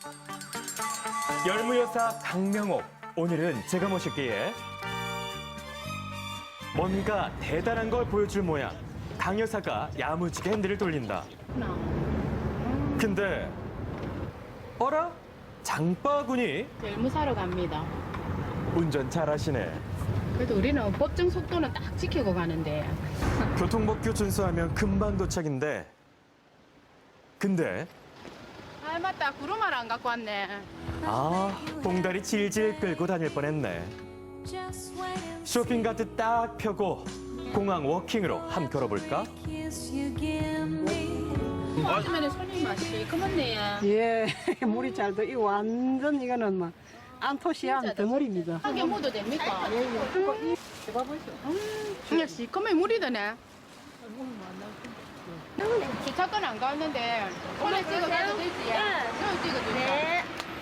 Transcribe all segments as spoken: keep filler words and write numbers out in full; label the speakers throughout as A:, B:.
A: 열무여사 강명옥, 오늘은 제가 모실게에 뭔가 대단한 걸 보여줄 모양. 강 여사가 야무지게 핸들을 돌린다. 근데 어라? 장바구니?
B: 열무 사러 갑니다.
A: 운전 잘하시네.
B: 그래도 우리는 법정 속도는 딱 지키고 가는데.
A: 교통법규 준수하면 금방 도착인데. 근데
B: 아 맞다, 구름알 안 갖고 왔네.
A: 아, 봉다리 질질 끌고 다닐 뻔했네. 쇼핑카트 딱 펴고 공항 워킹으로 함 걸어볼까?
B: 요즘에는 손님 맛이 그만네.
C: 예, 물이 잘 돼. 이 완전 이거는 막 안토시안 덩어리입니다.
B: 하게 묻어도 됩니까?
C: 예, 예. 그거 이 봐보시오.
B: 음, 역시 그만 물이 드네. 주차권 안 갔는데 손에 찍어가도 되지? 손에 찍어주세요.
D: 네.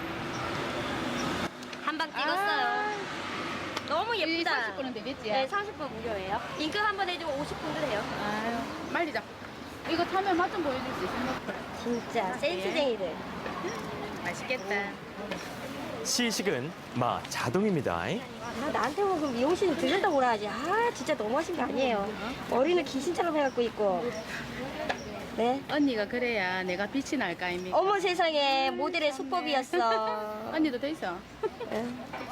D: 한 방 찍었어요. 너무 예쁘다.
B: 삼십 분은 되겠지?
D: 네, 삼십 분 무료예요. 인금 한 번 해주고 오십 분도 돼요.
B: 아유, 말리자. 이거 타면 맛 좀 보여줄 수 있습니까?
D: 진짜 센스쟁이들.
B: 맛있겠다.
A: 시식은 마 자동입니다.
D: 아, 나한테 먹으면 미용실 들른다고 그러지. 아, 진짜 너무하신 거 아니에요. 머리는 귀신처럼 해갖고 있고. 네.
B: 언니가 그래야 내가 빛이 날 거 아닙니까?
D: 어머 세상에 모델의 수법이었어.
B: 언니도 돼 있어.
D: 네.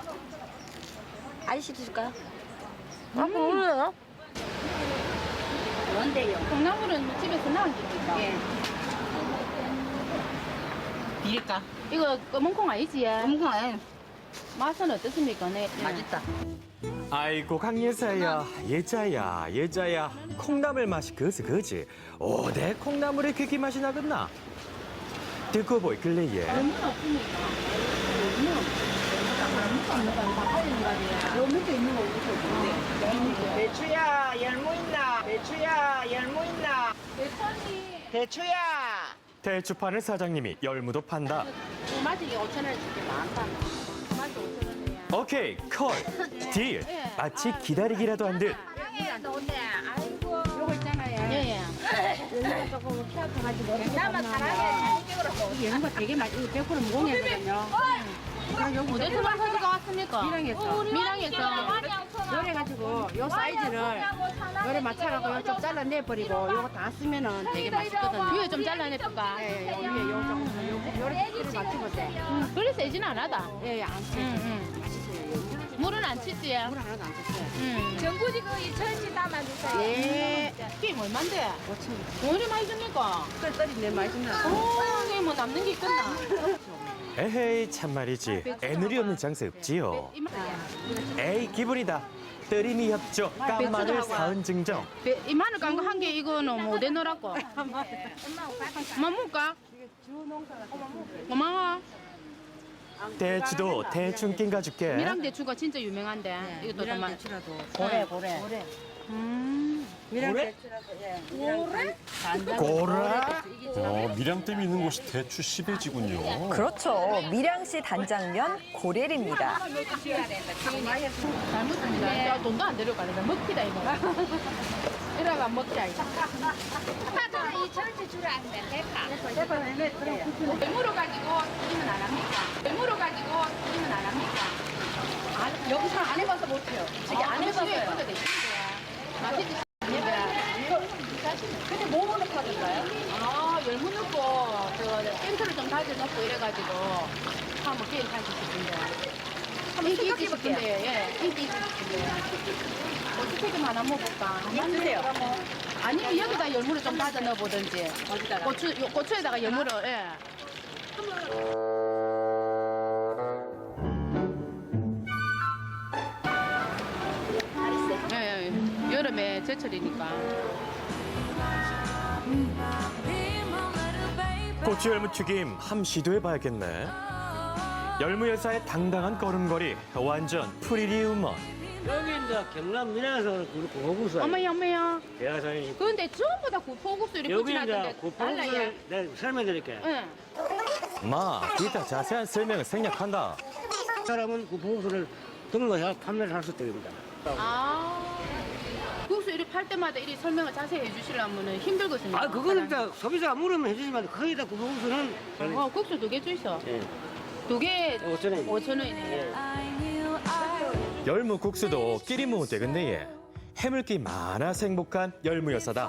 D: 아저씨도 줄까요? 아, 모르요.
B: 뭔데요? 콩나물은 집에서 나온 겁니까? 예. 비릴까? 이거 검은 콩 아니지? 검은 콩 아니. 맛은 어떻습니까? 네. 맛있다.
A: 아이고 강 여사야, 예자야, 예자야. 콩나물 맛이 그지 그지. 오대 콩나물의 귀기 맛이 나겠나? 듣고 보이 글래예.
B: 얼마 없습니까? 얼마 없습니까? 요 밑에 있는 거 어디서
E: 배추야 열무 있나? 배추야 열무 있나?
B: 대천이
E: 배추야.
A: 대추 파는 사장님이 열무도 판다.
B: 맛이 오천 원 줄게 많다. 맛이 오천 원이야.
A: 오케이 콜 딜. 마치 기다리기라도 한 듯.
B: 요거 있잖아요. 예, 예.
D: 나만 사랑해.
B: 이 연구가 되게 맛, 이거 백 퍼센트 무공이거든요. 어디서 가지고 왔습니까? 미랑에서. 미랑에서. 요래가지고 요 사이즈를 요래 맞춰갖고 요쪽 잘라내버리고 요거 다 쓰면은 되게 맛있거든요. 위에 좀 잘라내볼까? 예, 예, 위에 요 좀, 요, 요래 크기를 맞춰보세요. 음, 그리 세진 않아다. 예, 예, 안 세. 음, 음. 맛있어요. 물은 안 치지? 물 하나도 안 쳤어요. 음.
D: 전구지 그 이천 원씩 담아주세요.
B: 예. 게임 얼만데? 오천 원. 왜 이리 많이 줍니까?
C: 그래, 떨이 내 맛있나?
B: 오, 이게 뭐 남는 게 있겠나?
A: 에헤이 참말이지. 애늘이 없는 장사 없지요. 에이 기분이다. 뜨림이 협조 깐마늘 사은 증정.
B: 이 마늘 깐 거 한 개 이거는 뭐 내놓으라고. 엄마 먹을까? 고마워.
A: 대추도 대충 낀가줄게.
B: 미랑 대추가 진짜 유명한데. 이것도 좀 맛.
C: 대추라도.
B: 고래, 고래. 음.
C: 미랑 대추라도. 예. 고래?
A: 고라.
F: 어, 밀양댐이 있는 곳이 대추 시베지군요.
G: 그렇죠. 밀양시 단장면 고렐입니다.
B: 잘 먹습니다. 야, 돈도 안 데려가네. 먹기다 이거. 이래가 먹자 이거.
D: 아빠가 이천 원씩 주라 안 돼. 대파.
B: 열무로 가지고 튀김은 안 합니까? 열무로 가지고 튀김은 안 합니까? 안, 여기서 안 해봐서 못해요. 저기 안 해봐서요. 맛있지? 근데 뭐 넣고 하던가요? 아, 열무 넣고, 저, 땡크를 좀 다져 넣고 이래가지고, 한번 게임 하고 싶은데. 한번 인기 있고 싶은데, 예, 인기 있고 싶은데. 고추튀김 하나 먹어볼까? 드세요. 아니면 여기다 열무를 좀 다져 넣어보든지. 어디다가? 고추, 요, 고추에다가 열무를, 예. 예, 예, 여름에 제철이니까.
A: 고추 열무 튀김 함 시도해봐야겠네. 열무 여사의 당당한 걸음걸이 완전 프리리 우먼.
H: 여기 이제 경남 밀양에서 고구수
B: 어머야, 어머야.
H: 대하산이
B: 근데 전부 다 구포국수 이렇게
H: 여기
B: 붙여놨던데
H: 이제 고구수를
B: 달라요.
H: 내가 설명드릴게.
B: 응.
A: 마, 이따 자세한 설명을 생략한다.
H: 사람은 고구수를 등록해서 판매를 할 수 있답니다.
B: 아. 국수 이렇게 팔 할 때마다 이리 설명을 자세히 해주시려면 힘들거든요.
H: 아, 그거는 다 소비자가 물으면 해주지만 거의 다 구멍수는
B: 어, 국수 두 개 주있어.
H: 예.
B: 두 개
H: 오천 원.
B: 오천 원이네.
A: 열무 국수도 끼리 먹으면 되겠네 예. 해물기 많아서 행복한 열무 여사다.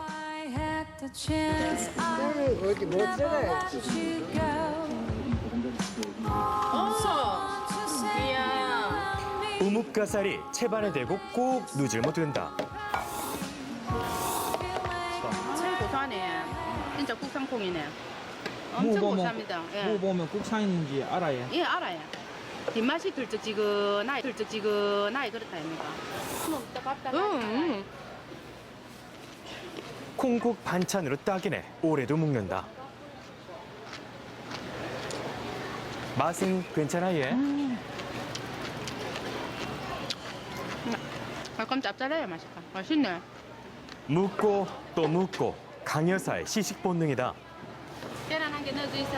C: 어디 못 써요.
B: 어, 이야.
A: 우뭇가사리 채반에 대고 꼭 누질못 된다.
B: 참 고소하네. 진짜 국산콩이네. 엄청 고소합니다. 예.
I: 뭐 보면 국산인지 알아요.
B: 예, 알아요. 뒷맛이 들쩍지근하게 들쩍지근하게 그렇다 아닙니까? 응.
A: 콩국 반찬으로 딱이네. 오래도 먹는다. 맛은 괜찮아 예.
B: 약간 짭짤해요, 맛있다. 맛있네.
A: 묻고 또 묻고 강여사의 시식 본능이다.
B: 계란 한 개 넣어주이소.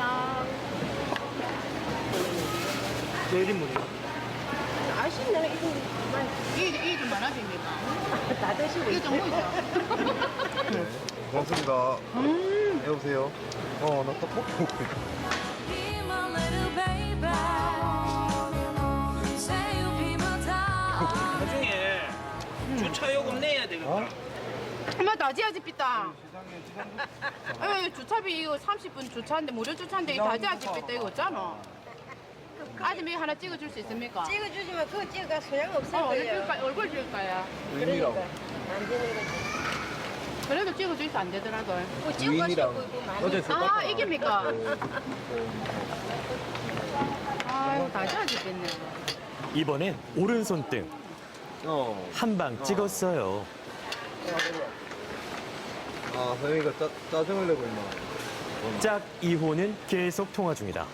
H: 내일인물이요.
B: 맛있네. 이게 이게 좀 많아집니까? 다 드시고 이게 좀 보이죠?
J: 고맙습니다. 여보세요? 어, 나 떡볶이 먹고 있어.
I: 나중에 주차 요금 내야 되겠다.
B: 엄마 다지야지 삐따. 에 주차비 이거 삼십 분 주차인데 무료 주차인데 이 다지야지 삐따 이거 없잖아. 아줌이 하나 찍어줄 수 있습니까?
D: 찍어주지만 그거 찍어가 소용 없을
B: 어, 얼굴
D: 거예요.
B: 찍을까, 얼굴 찍을까요?
J: 의미라고.
D: 안 되는 거지.
B: 그래도 찍어줄 수 안 되더라고요.
D: 뭐 찍어가시고 있고 많이.
B: 아, 이깁니까? 아유, 다지야지 뺐네.
A: 이번엔 오른손 등
J: 어.
A: 한 방 찍었어요.
J: 아, 서영이가 짜, 짜증을 내고 있나.
A: 짝 이 호는 계속 통화 중이다.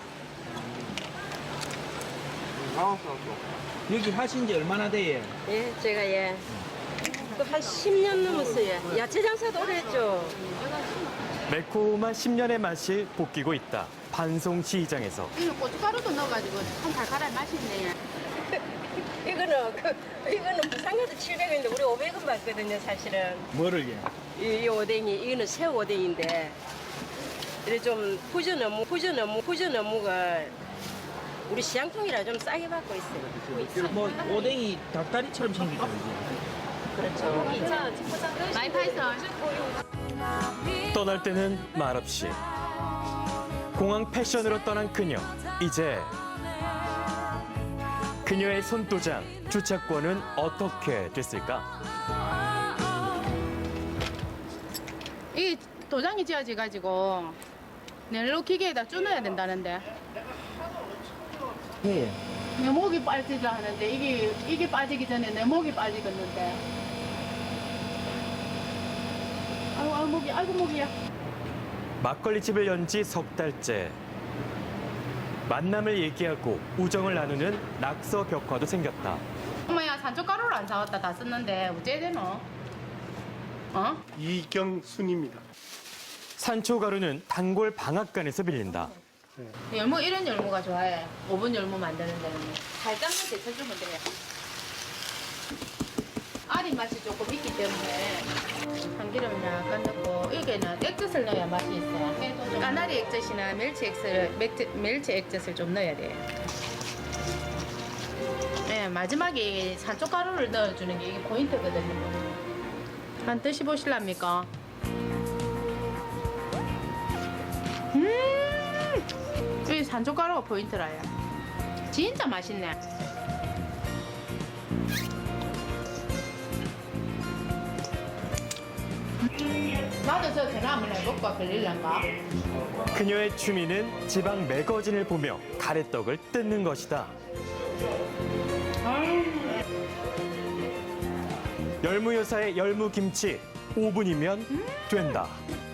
J: 알았어, 알았어.
I: 여기 하신 지 얼마나 돼요?
D: 예, 제가 예. 또 한 십 년 넘었어요. 야채 장사도 오래 했죠.
A: 매콤한 십 년의 맛이 볶이고 있다. 반송시장에서.
B: 이거 고춧가루도 넣어가지고 참 달달한 맛이 있네.
D: 이거는 그 이거는 부산 가서 칠백 원인데 우리 오백 원 받거든요, 사실은.
I: 뭐를 예?
D: 이, 이 오뎅이 이거는 새우 오뎅인데 이래 좀 푸전 어묵, 푸전 어묵, 푸전 어묵을 우리 시장통이라 좀 싸게 받고 있어요.
I: 뭐 오뎅이 닭다리처럼 생기죠 이제.
D: 그렇죠.
B: 많이 파이서.
A: 떠날 때는 말없이. 공항 패션으로 떠난 그녀. 이제 그녀의 손도장 주차권은 어떻게 됐을까?
B: 이 도장이 지어져 가지고 넬로 기계에다 쭈넣어야 된다는데.
I: 예.
B: 내 목이 빠지자 하는데 이게 이게 빠지기 전에 내 목이 빠지겠는데. 아이고, 아이고 목이, 아이고 목이야.
A: 막걸리 집을 연 지 석 달째. 만남을 얘기하고 우정을 나누는 낙서 벽화도 생겼다.
B: 엄마야 산초가루를 안 사왔다 다 썼는데 어째 되노? 어?
F: 이경순입니다.
A: 산초가루는 단골 방앗간에서 빌린다.
B: 열무 이런 열무가 좋아해. 오븐 열무 만드는 데는 살짝만 데쳐주면 돼요. 알이 맛이 조금 있기 때문에 참기름 약간 넣고 여기는 액젓을 넣어야 맛이 있어요. 까나리 액젓이나 멸치 액젓을 멸치, 멸치 액젓을 좀 넣어야 돼요. 네, 마지막에 산초가루를 넣어주는 게 이게 포인트거든요. 한 드시 보실랍니까? 음, 이 산초가루가 포인트라요. 진짜 맛있네. 나도 저 전화 한번 해볼까? 걸릴란가?
A: 그녀의 취미는 지방 매거진을 보며 가래떡을 뜯는 것이다. 열무여사의 열무김치 오 분이면 된다.